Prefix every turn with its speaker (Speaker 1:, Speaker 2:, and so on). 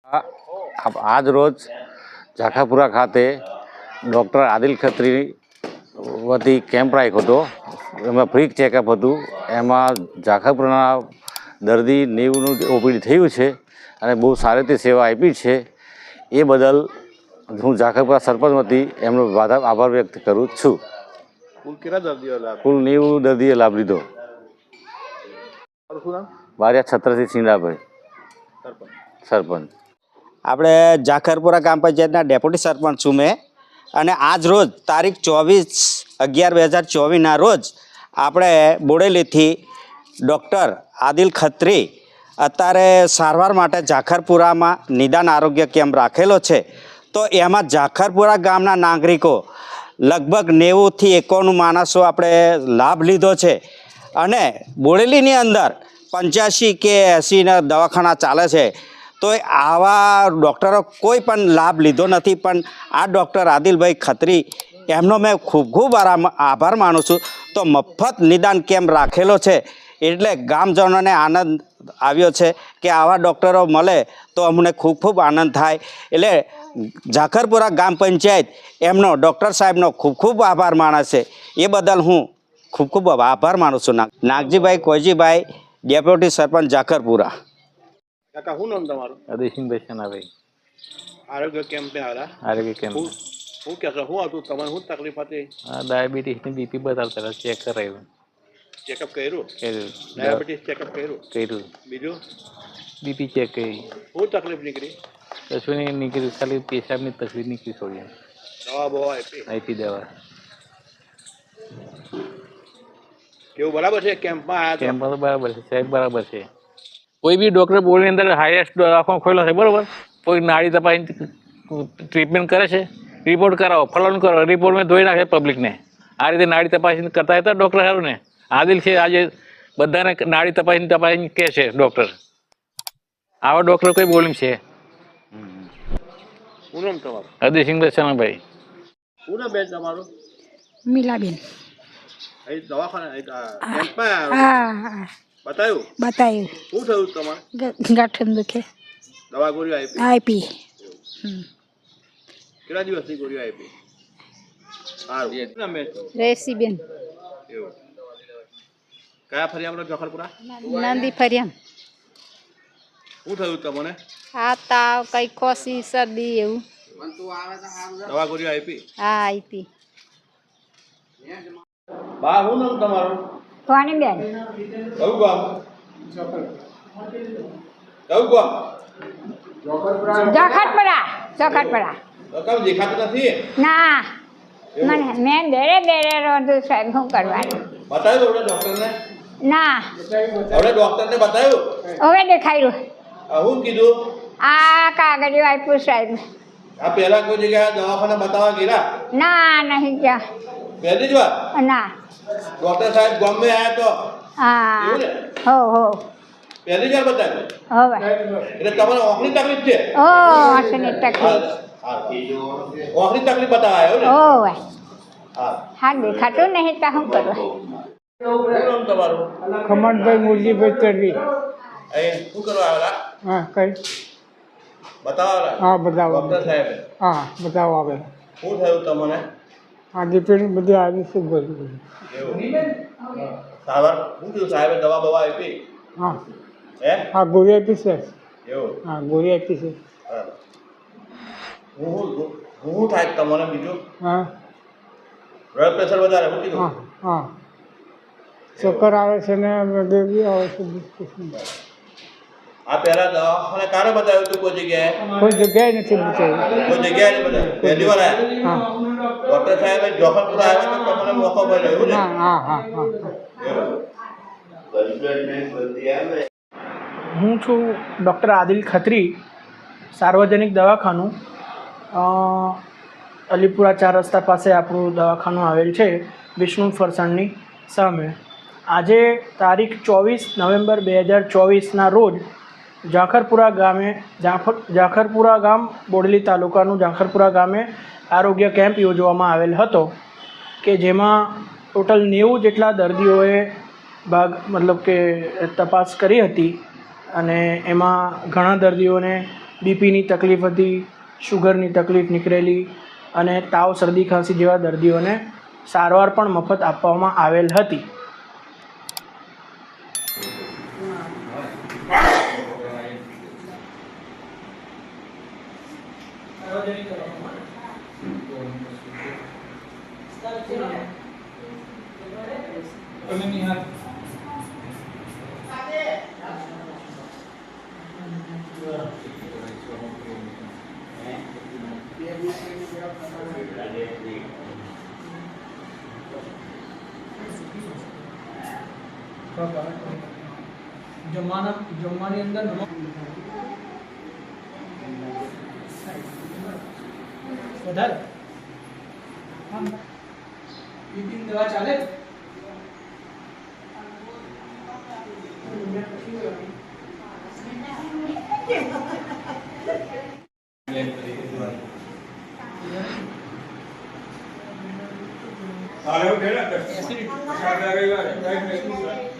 Speaker 1: આજ રોજ ઝાખાપુરા ખાતે ડૉક્ટર આદિલ ખત્રી વતી કેમ્પ રાખ્યો હતો. એમાં ફ્રી ચેકઅપ હતું. એમાં ઝાખાપુરાના દર્દી 90નું ઓપીડી થયું છે અને બહુ સારી રીતે સેવા આપી છે. એ બદલ હું ઝાખાપુરા સરપંચ વતી એમનો આભાર વ્યક્ત કરું છું. કુલ 90 દર્દીએ લાભ લીધો. બારિયા છત્રસિંહ સિંડાભાઈ, સરપંચ.
Speaker 2: આપણે ઝાખરપુરા ગ્રામ પંચાયતના ડેપ્યુટી સરપંચ છું મેં. અને આજ રોજ તારીખ 24/11/2024ના રોજ આપણે બોડેલીથી ડૉક્ટર આદિલ ખત્રી અત્યારે સારવાર માટે ઝાખરપુરામાં નિદાન આરોગ્ય કેમ્પ રાખેલો છે. તો એમાં ઝાખરપુરા ગામના નાગરિકો લગભગ 90થી 91 માણસો આપણે લાભ લીધો છે. અને બોડેલીની અંદર 85 કે 80ના દવાખાના ચાલે છે. તો આવા ડૉક્ટરો કોઈ પણ લાભ લીધો નથી. પણ આ ડૉક્ટર આદિલભાઈ ખત્રી એમનો મેં ખૂબ આભાર માનું છું. તો મફત નિદાન કેમ્પ રાખેલો છે એટલે ગામજનોને આનંદ આવ્યો છે કે આવા ડૉક્ટરો મળે તો અમને ખૂબ આનંદ થાય. એટલે ઝાખરપુરા ગ્રામ પંચાયત એમનો ડૉક્ટર સાહેબનો ખૂબ આભાર માને છે. એ બદલ હું ખૂબ આભાર માનું છું. નાગજીભાઈ કોઈજીભાઈ, ડેપ્યુટી સરપંચ ઝાખરપુરા.
Speaker 3: કાકા શું નામ તમારું?
Speaker 1: અદયસિંહભાઈ સનાભાઈ.
Speaker 3: આરોગ્ય કેમ્પ પે આવ્યા?
Speaker 1: આરોગ્ય કેમ્પ.
Speaker 3: શું કહેશો? શું હતું તમારે? શું તકલીફ હતી?
Speaker 1: ડાયાબિટીસની બીપી બતાવતા ચેક કરાવ્યું.
Speaker 3: ચેકઅપ કર્યું? ડાયાબિટીસ ચેકઅપ કર્યું? બીજું
Speaker 1: બીપી ચેક કરી.
Speaker 3: શું તકલીફ નીકળી?
Speaker 1: કશું નહીં નીકળ્યું, ખાલી પેશાબની તકલીફ નીકળી છોડી.
Speaker 3: દવા બવા
Speaker 1: આપી દવા.
Speaker 3: કેવું બરાબર છે? કેમ્પમાં આવ્યા?
Speaker 1: કેમ્પમાં તો બરાબર છે સાહેબ, બરાબર છે. કોઈ બી ડૉક્ટર બોર્ડની અંદર હાઈએસ્ટ દવાખાનો ખોલ્યો છે બરાબર. કોઈ નાડી તપાસી ટ્રીટમેન્ટ કરે છે, રિપોર્ટ કરાવો, ફલાણું કરો, રિપોર્ટમાં ધોઈ નાખે પબ્લિકને. આ રીતે નાડી તપાસી કરતા હતા ડૉક્ટર સારું ને. આદિલ છે આજે બધાને નાડી તપાસી કહે છે ડૉક્ટર. આવા ડૉક્ટર કોઈ બોલીમ છે?
Speaker 3: શું નામ તમારું?
Speaker 1: અદયસિંહભાઈ સનાભાઈ.
Speaker 3: શું નામ બેન તમારું?
Speaker 4: મીલાબેન.
Speaker 3: અહીં દવાખાના કેમ્પમાં આવ્યા? બતાવ્યું?
Speaker 4: બતાવ્યું.
Speaker 3: શું થયું તમારે?
Speaker 4: ગાંઠન દુખે.
Speaker 3: દવા ગોળીઓ આપી?
Speaker 4: આપી.
Speaker 3: કેટલા દિવસની ગોળીઓ આપી? સારું. શું નામ બેન?
Speaker 4: રેસીબેન.
Speaker 3: એવું. કયા ફરિયામાં ઝાખરપુરા?
Speaker 4: નંદી ફરિયામ.
Speaker 3: શું થયું તમને?
Speaker 4: આ તાવ, કઈ ખોસી, શરદી એવું.
Speaker 3: દવા ગોળીઓ આપી?
Speaker 4: હા આપી.
Speaker 3: બા શું નામ તમારું?
Speaker 4: કોની બેન?
Speaker 3: કયું ગામ? કયું ગામ?
Speaker 4: ઝાખરપુરા.
Speaker 3: કામ દેખાતું નથી?
Speaker 4: ના મને મેં દેરે રોધું સાહેબ. શું કરવાનું?
Speaker 3: બતાવ્યું હવે ડોક્ટરને?
Speaker 4: ના
Speaker 3: હવે ડોક્ટરને બતાવ્યું?
Speaker 4: હવે દેખાયું.
Speaker 3: શું કીધું?
Speaker 4: આ કાગળિયું આપ્યું સાહેબ.
Speaker 3: આ પહેલા કોઈ જગ્યાએ દવાખાના બતાવવા ગયા?
Speaker 4: ના નહીં ગયા.
Speaker 3: પહેલી જ વાર?
Speaker 4: ના.
Speaker 3: ડોક્ટર સાહેબ ગામમાં આવ્યા તો?
Speaker 4: હા.
Speaker 3: એવું ને?
Speaker 4: હો
Speaker 3: પહેલી જ વાર બતાવ્યું?
Speaker 4: હવે
Speaker 3: એટલે તમારે ઓખની તકલીફ છે?
Speaker 4: ઓ હસની તકલીફ.
Speaker 3: ઓખની તકલીફ બતાવાય એવું ને?
Speaker 4: ઓવે
Speaker 3: હા.
Speaker 4: હા દેખાતું નહીં તો શું કરવા?
Speaker 3: શું નામ તમારું?
Speaker 5: ખમણભાઈ મુરજીભાઈ તરવી.
Speaker 3: અહીં શું કરવા આવેલા?
Speaker 5: હા કઈ
Speaker 3: બતાવવા
Speaker 5: હા બતાવો.
Speaker 3: ડોક્ટર સાહેબ
Speaker 5: હા બતાવો આવે.
Speaker 3: શું થયું તમને?
Speaker 5: હા ડિપેન્ડ બધી આવી શું બધું.
Speaker 3: એવું સારવાર શું થયું? સાહેબે દવા બવા આપી?
Speaker 5: હા
Speaker 3: હે?
Speaker 5: હા ગોળી આપી છે.
Speaker 3: એવું?
Speaker 5: હા ગોળી આપી છે.
Speaker 3: બરાબર. શું થાય તમને બીજું?
Speaker 5: હા
Speaker 3: બ્લડ પ્રેશર વધારે? શું કીધું?
Speaker 5: હા હા ચક્કર આવે છે ને હૃદય બી આવે છે.
Speaker 3: આ પહેલા દવાખાને કારે બતાવ્યું હતું કોઈ જગ્યાએ?
Speaker 5: કોઈ જગ્યાએ નથી બતાવ્યું.
Speaker 3: કોઈ જગ્યાએ નહીં બતાવ્યું? પહેલી વાર આવ્યા?
Speaker 5: હા
Speaker 3: ડોક્ટર સાહેબે ઝાખરપુરા આવ્યા તો તમને મોકો મળ્યો એવું ને?
Speaker 5: હા હા હા હા.
Speaker 6: હું છું ડૉક્ટર આદિલ ખત્રી, સાર્વજનિક દવાખાનું અલીપુરા 4 રસ્તા પાસે આપણું દવાખાનું આવેલ છે, વિષ્ણુ ફરસાણની સામે. આજે તારીખ 24 નવેમ્બર 2024ના રોજ ઝાખરપુરા ગામ બોડેલી તાલુકાનું ઝાખરપુરા ગામે આરોગ્ય કેમ્પ યોજવામાં આવેલ હતો કે જેમાં ટોટલ 90 જેટલા દર્દીઓએ તપાસ કરી હતી અને એમાં ઘણા દર્દીઓને બીપીની તકલીફ હતી, શુગરની તકલીફ નીકળેલી અને તાવ, શરદી, ખાંસી જેવા દર્દીઓને સારવાર પણ મફત આપવામાં આવેલ હતી. જમવાની અંદર વધારે બીપીની દવા ચાલે.
Speaker 3: હાલો,